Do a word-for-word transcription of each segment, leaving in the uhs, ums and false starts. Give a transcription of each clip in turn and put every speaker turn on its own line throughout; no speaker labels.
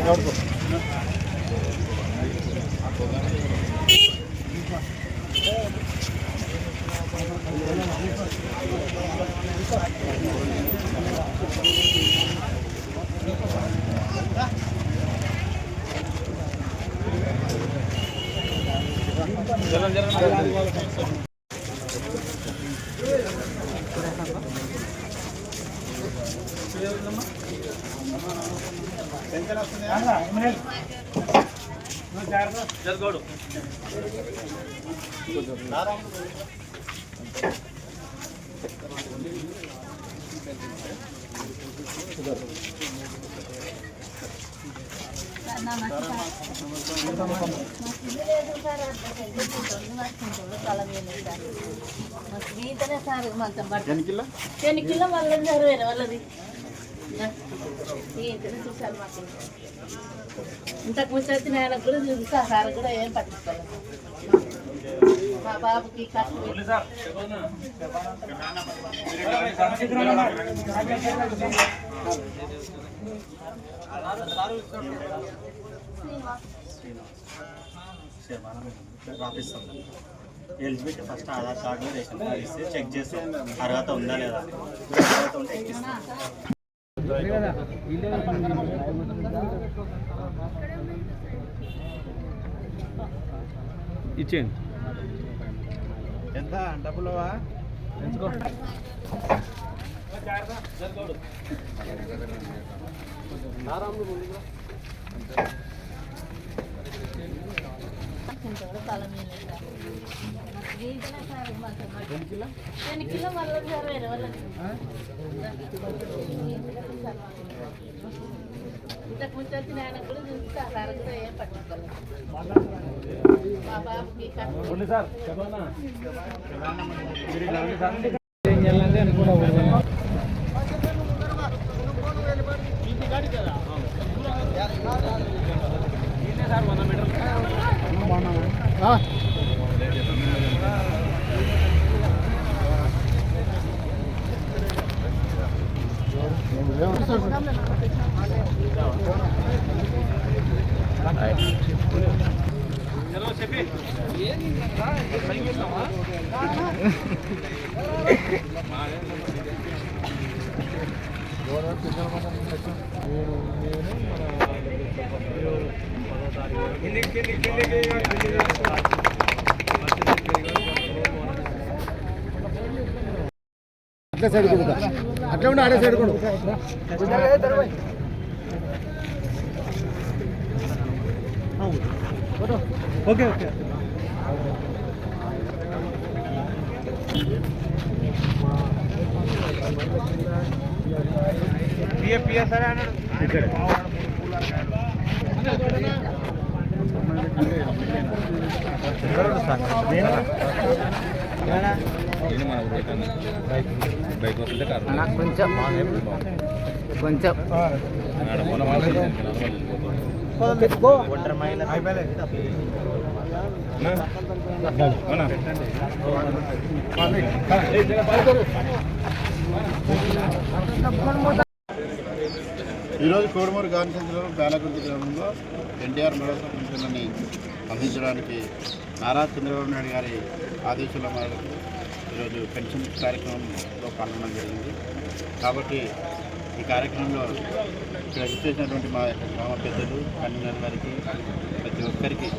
జలం జలం జరగోడు
చెనికిల్ల వాళ్ళది వేరే వాళ్ళది చూసారు మాకు ఇంతకు ముందు వచ్చిన ఆయనకు కూడా చూసా సార్ కూడా ఏం పట్టించుకోలేదు మా బాబుకి కష్టం
eligibility first Aadhaar card ration card ఇస్తే చెక్ చేసి అర్హత ఉందా లేదా అర్హత ఉంటే
ఇచ్చేయండి
ఎంత డబ్బులవా
ఎంచుకో
చెనికిల్ల వాళ్ళది వేరే వాళ్ళది ఇంతకు ముందు వచ్చిన ఆయనకు కూడా చూసా సార్ కూడా ఏం పట్టించుకోలేదు మా బాబుకి
అట్లా సైడ్ కొడుతా అట్లా ఉండి ఆడే సైడ్ కొడు ఓకే ఓకే కొంచెం కొంచెం
ఈరోజు కోడుమూరు గాంధీ సెంటర్లో పేలకుర్తి గ్రామంలో ఎన్టీఆర్ మెడల్ పెన్షన్ని అందించడానికి నారా చంద్రబాబు నాయుడు గారి ఆదేశాల మేరకు ఈరోజు పెన్షన్ కార్యక్రమంలో పాల్గొనడం జరిగింది. కాబట్టి ఈ కార్యక్రమంలో ఇక్కడ విచ్చేసినటువంటి మా యొక్క గ్రామ పెద్దలు కన్వీనర్ గారికి ప్రతి ఒక్కరికి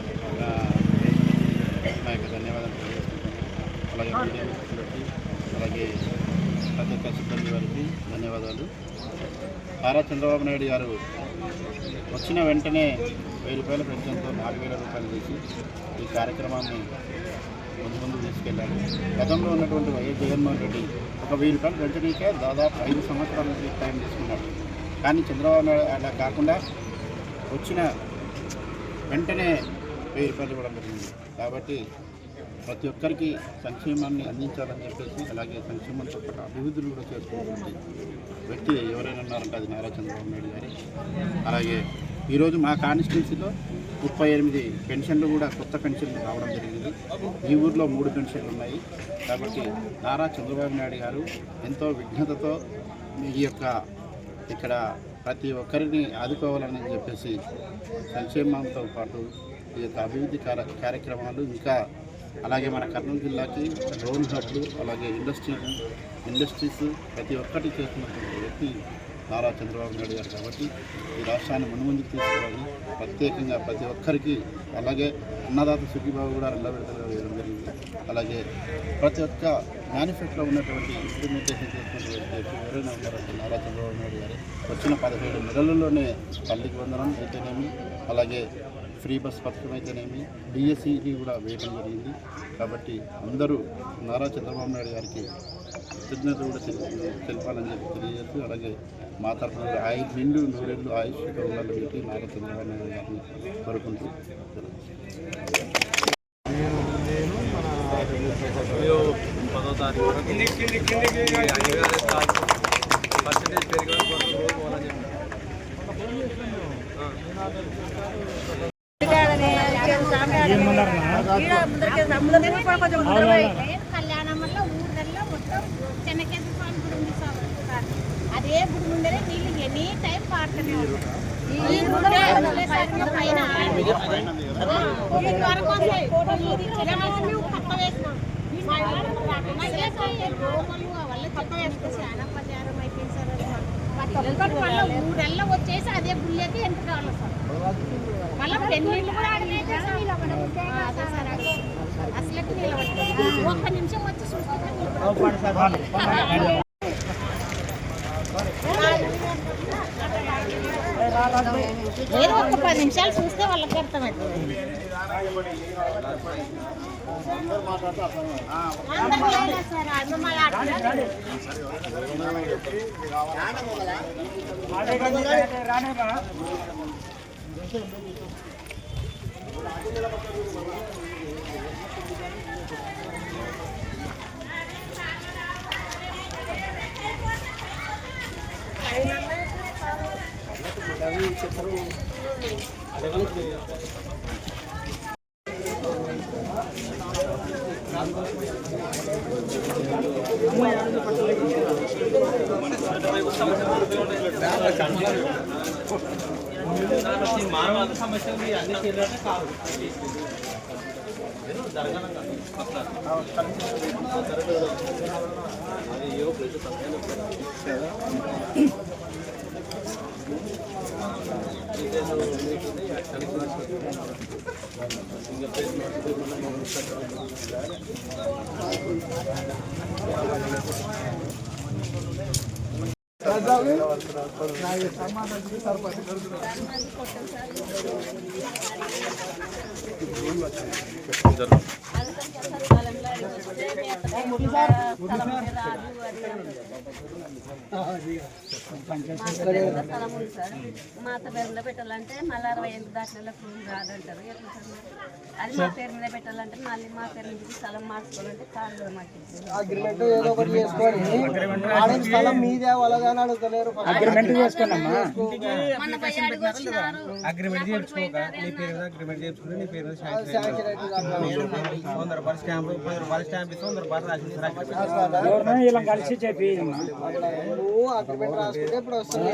మా యొక్క ధన్యవాదాలు తెలియజేస్తున్నాం. అలాగే మీడియా మిత్రులకి అలాగే ప్రతి ఒక్క సిబ్బంది వారికి ధన్యవాదాలు. నారా చంద్రబాబు నాయుడు గారు వచ్చిన వెంటనే వెయ్యి రూపాయల పెన్షన్తో నాలుగు వేల రూపాయలు చేసి ఈ కార్యక్రమాన్ని ముందు ముందు తీసుకెళ్ళారు. గతంలో ఉన్నటువంటి వైఎస్ జగన్మోహన్ రెడ్డి ఒక వెయ్యి రూపాయలు పెంచడానికే దాదాపు ఐదు సంవత్సరాల నుంచి టైం తీసుకున్నాడు. కానీ చంద్రబాబు నాయుడు అలా కాకుండా వచ్చిన వెంటనే వెయ్యి రూపాయలు ఇవ్వడం జరిగింది. కాబట్టి ప్రతి ఒక్కరికి సంక్షేమాన్ని అందించాలని చెప్పేసి అలాగే సంక్షేమంతో పాటు అభివృద్ధులు కూడా చేసుకుంటుంది వ్యక్తి ఎవరైనా ఉన్నారంటే అది నారా చంద్రబాబు నాయుడు గారి. అలాగే ఈరోజు మా కాన్స్టిట్యున్సీలో ముప్పై ఎనిమిది పెన్షన్లు కూడా కొత్త పెన్షన్లు రావడం జరిగింది. ఈ ఊర్లో మూడు పెన్షన్లు ఉన్నాయి. కాబట్టి నారా చంద్రబాబు నాయుడు గారు ఎంతో విఘ్నతతో ఈ యొక్క ఇక్కడ ప్రతి ఒక్కరిని ఆదుకోవాలని చెప్పేసి సంక్షేమంతో పాటు ఈ యొక్క అభివృద్ధి కార్య కార్యక్రమాలు ఇంకా అలాగే మన కర్నూలు జిల్లాకి డ్రోన్ హబ్లు అలాగే ఇండస్ట్రీ ఇండస్ట్రీస్ ప్రతి ఒక్కటి చేస్తున్నటువంటి వ్యక్తి నారా చంద్రబాబు నాయుడు గారు కాబట్టి ఈ రాష్ట్రాన్ని మున్ముందుకు తీసుకురావాలి. ప్రత్యేకంగా ప్రతి ఒక్కరికి అలాగే అన్నదాత సుఖీబాబు కూడా రెండో విడతలో వేయడం జరిగింది. అలాగే ప్రతి ఒక్క మేనిఫెస్టోలో ఉన్నటువంటి ఇంప్లిమెంటేషన్ చేస్తున్నటువంటి వ్యక్తి ఎవరైనా ఉన్నారంటే నారా చంద్రబాబు నాయుడు గారు వచ్చిన పదిహేడు నెలల్లోనే తల్లికి వందనం అయితేనేమి అలాగే ఫ్రీ బస్ పథకం అయితేనేమి డిఎస్సికి కూడా వేయడం జరిగింది. కాబట్టి అందరూ నారా చంద్రబాబు నాయుడు గారికి కృతజ్ఞత కూడా తెలపాలని చెప్పి తెలియజేస్తూ అలాగే మా తరఫున ఆయు నిండు నూరేళ్ళు ఆయుష్తో ఉండాలని చెప్పి నారా చంద్రబాబు నాయుడు గారిని కోరుకుంటూ
పదో తారీఖు వరకు పర్సెంటేజ్ పెరిగి రోజు పోవాలని
కళ్యాణంలో ఊళ్ళల్లో మొత్తం చెన్నకేశ్వర స్వామి గుడి ఉంది సార్. అదే గుడి ముందరే నీళ్ళు ఎనీ టైం పారుతూనే ఉంటాయి. పైన వరకు పక్క వేసినాం వల్ల పక్క వేసుకొచ్చి అనపచారం అయిపోయింది సార్. మళ్ళీ ఊరెల్లా వచ్చేసి అదే గుళ్ళకి ఎంత కావాలి సార్. మళ్ళీ పెళ్ళిళ్ళు కూడా అడిగితే అసలు నిలబడి ఒక్క నిమిషం వచ్చి చూసుకుంటే ఏదో ఒక పది నిమిషాలు చూస్తే వాళ్ళకి అర్థమవుతుంది. సార్
మానవ సమస్యలు అన్ని చేయాలంటే కాదు జరగనంగా అది ఏవో ప్లేస్
మాత పేరు మీద పెట్టాలంటే మళ్ళీ అరవై ఎనిమిది దాటిలో ఫోన్ రాదంటారు. అది మా పేరు మీద పెట్టాలంటే మళ్ళీ మా పేరు నుంచి స్థలం మార్చుకోవాలంటే కాదు. మాకు
అగ్రిమెంట్ ఏదో ఒకటి చేసుకొని స్థలం మీదే వాళ్ళగానే అడుగుతలేరు. అగ్రిమెంట్ చేసుకోండమ్మా.
అగ్రిమెంట్ చేయించుకోక నీ పేరు మీద అగ్రిమెంట్ చేసుకుని నీ పేరు వంద రూపాయలు స్టాంప్ పది రూపాయలు స్టాంప్ ఇస్తే వంద రూపాయలు రాసి ఇలా కలిసి చెప్పి
నువ్వు అగ్రిమెంట్ రాసుకుంటే ఇప్పుడు వస్తుంది.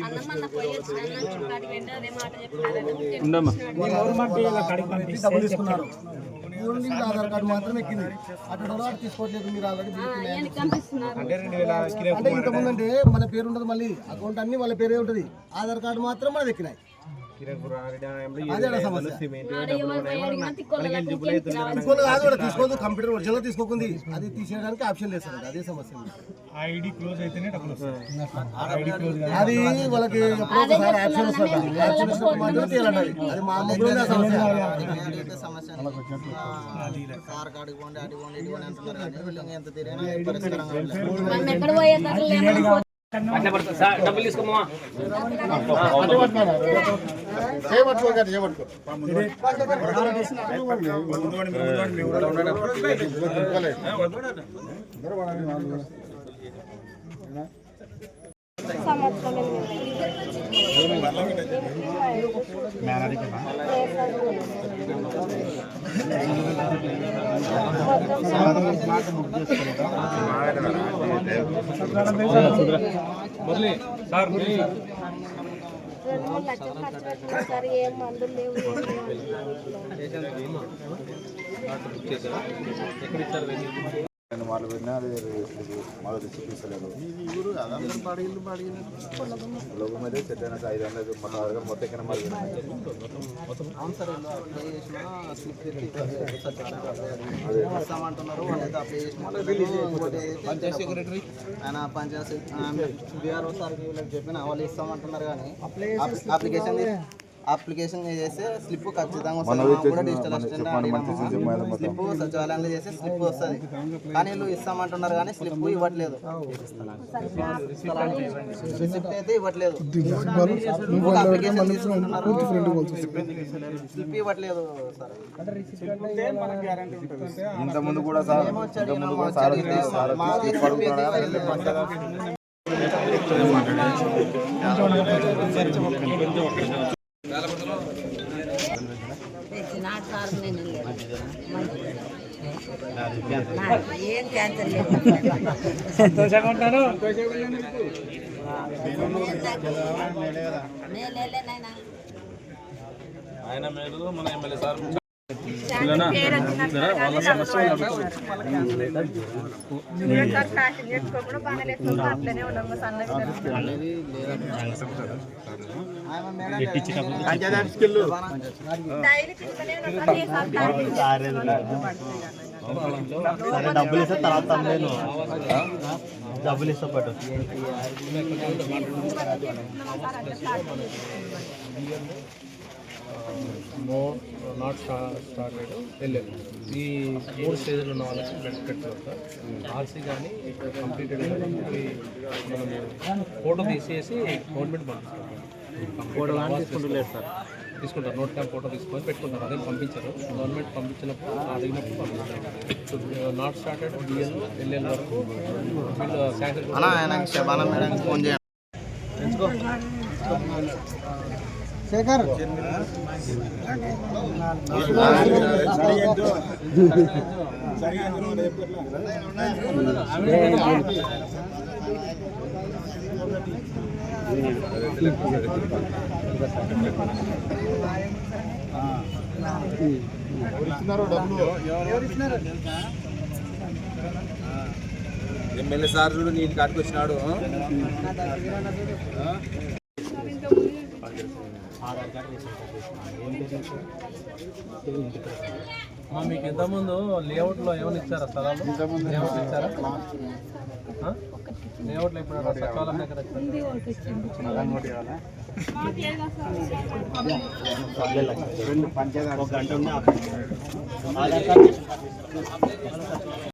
డబ్బులు తీసుకున్నారు ఆధార్ కార్డు మాత్రం ఎక్కింది. అక్కడ తీసుకోవట్లేదు మీరు ఆల్రెడీ అంటే ఇంతకుముందు అంటే మన పేరు ఉండదు, మళ్ళీ అకౌంట్ అన్ని వాళ్ళ పేరే ఉంటుంది, ఆధార్ కార్డు మాత్రం మనది ఎక్కినాయి. తీసుకోదు కంప్యూటర్ ఒరిజినల్ తీసుకోకుంది, అది తీసేయడానికి ఆప్షన్ లేదు సార్. అదే సమస్య.
ఐడి క్లోజ్ అయితేనే డబ్బులు వస్తాయి.
అది వాళ్ళకి ఎప్పుడో ఒకసారి ఆప్షన్ వస్తుంది, ఆప్షన్ వచ్చినప్పుడు మాత్రమే తీయాలండి. అది మా అమ్మలో సమస్య.
డబ్బులు తీసుకోమా సార్
రెండు మూడు లక్షలు ఖర్చు పెట్టినా సార్ ఏం మందులు లేవు ఏం లేవు.
నేను వాళ్ళు పెట్టినా అది మాకు తెచ్చి తీసలేదు లోపల మీద సెట్ అయినా ఐదు వందలు మొత్తం అడగ మొత్తం ఎక్కడ మాకు
అవును సార్ వీళ్ళు అప్లై చేసిన స్లిప్ ఇస్తామంటున్నారు. వాళ్ళైతే అప్లై చేసిన పంచాయత్ సెక్రటరీ ఆయన పంచాయత్ బీఆర్ఓ సార్కి వీళ్ళకి చెప్పిన వాళ్ళు ఇస్తామంటున్నారు కానీ అప్లికేషన్ అప్లికేషన్ చేస్తే స్లిప్ ఖచ్చితంగా వస్తుంది. కూడా డిజిటల్ అసిస్టెంట్ స్లిప్ సచివాలయంలో చేస్తే స్లిప్ వస్తుంది కానీ వీళ్ళు ఇస్తామంటున్నారు కానీ స్లిప్ ఇవ్వట్లేదు. రిసిప్ట్ అయితే ఇవ్వట్లేదు. అప్లికేషన్ తీసుకుంటున్నారు స్లిప్ ఇవ్వట్లేదు సార్.
ఇంతకుముందు కూడా సార్ ఇంతకుముందు కూడా సార్
ఏం క్యాన్సర్ లేదు.
సంతోషంగా ఉంటాను. ఆయన మీరు మన ఎమ్మెల్యే సార్
సరే డబ్బులు ఇస్తే తర్వాత నేను డబ్బులు ఇస్తా పట్టు
నో నాట్ స్టార్టెడ్ వెళ్ళారు. ఈ మూడు స్టేజ్లు ఉన్న వాళ్ళకి బెనిఫిట్ సార్. ఆర్సీ కానీ కంప్లీటెడ్ కానీ మనం ఫోటో తీసేసి గవర్నమెంట్ పంపిస్తాం. సార్ తీసుకుంటారు నోట్ క్యాంప్ ఫోటో తీసుకొని పెట్టుకుంటారు. అదే పంపించారు. గవర్నమెంట్ పంపించినప్పుడు అడిగినప్పుడు పంపిస్తారు. నాట్ స్టార్టెడ్ బిఎల్ ఎల్ఎల్ వరకు వీళ్ళు శాంక్షన్
ఫోన్ చేయండి. శేఖర్
ఎమ్మెల్యే సార్ చూడు నీటి కాటికి వచ్చినాడు.
మీకు ఇంతకుముందు లేఅవుట్లో ఏమైనా ఇచ్చారా స్థలాలు? లేఅవుట్ ఇచ్చారా? లేఅవుట్లో ఇప్పుడు సచివాలయం దగ్గర
పంచాయతీ ఒక గంట ఉంది.